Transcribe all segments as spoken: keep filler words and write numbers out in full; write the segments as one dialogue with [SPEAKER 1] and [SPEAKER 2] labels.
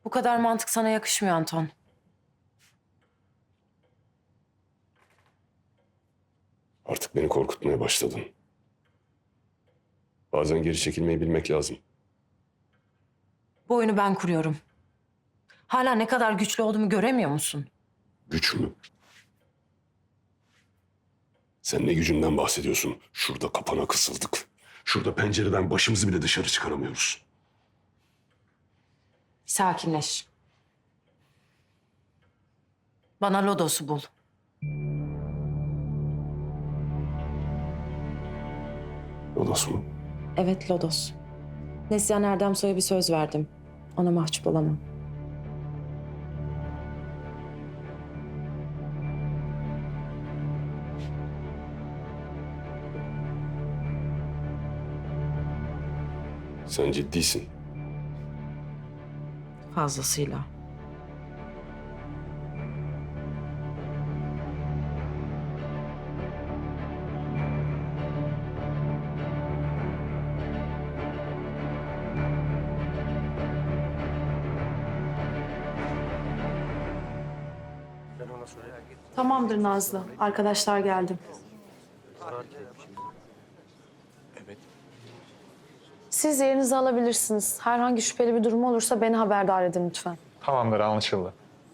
[SPEAKER 1] Bu kadar mantık sana yakışmıyor Anton.
[SPEAKER 2] Artık beni korkutmaya başladın. Bazen geri çekilmeyi bilmek lazım.
[SPEAKER 1] Bu oyunu ben kuruyorum. Hala ne kadar güçlü olduğumu göremiyor musun?
[SPEAKER 2] Güç mü? Sen ne gücünden bahsediyorsun? Şurada kapana kısıldık. Şurada pencereden başımızı bile dışarı çıkaramıyoruz.
[SPEAKER 1] Sakinleş. Bana Lodos'u bul.
[SPEAKER 2] Lodos mu?
[SPEAKER 1] Evet, Lodos. Neslihan Erdemsoy'a bir söz verdim. Ona mahcup olamam.
[SPEAKER 2] Sen ciddisin.
[SPEAKER 1] Fazlasıyla.
[SPEAKER 3] Tamamdır Nazlı. Arkadaşlar geldi. Siz yerinizi alabilirsiniz. Herhangi şüpheli bir durum olursa beni haberdar edin lütfen.
[SPEAKER 4] Tamamdır, anlaşıldı.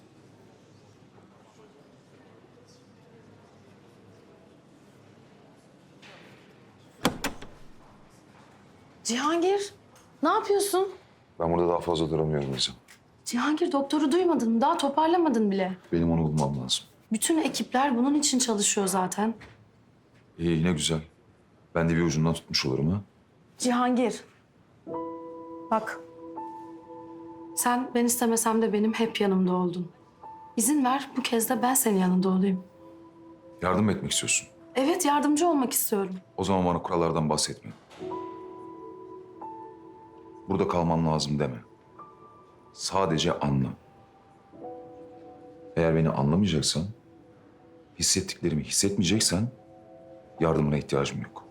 [SPEAKER 3] Cihangir, ne yapıyorsun?
[SPEAKER 5] Ben burada daha fazla duramıyorum Nizam.
[SPEAKER 3] Cihangir, doktoru duymadın mı? Daha toparlamadın bile.
[SPEAKER 5] Benim onu bulmam lazım.
[SPEAKER 3] Bütün ekipler bunun için çalışıyor zaten.
[SPEAKER 5] İyi, yine güzel. Ben de bir ucundan tutmuş olurum ha.
[SPEAKER 3] Cihangir, bak. Sen ben istemesem de benim hep yanımda oldun. İzin ver, bu kez de ben senin yanında olayım.
[SPEAKER 5] Yardım etmek istiyorsun.
[SPEAKER 3] Evet, yardımcı olmak istiyorum.
[SPEAKER 5] O zaman bana kurallardan bahsetme. Burada kalmam lazım deme. Sadece anla. Eğer beni anlamayacaksan, hissettiklerimi hissetmeyeceksen yardımına ihtiyacım yok.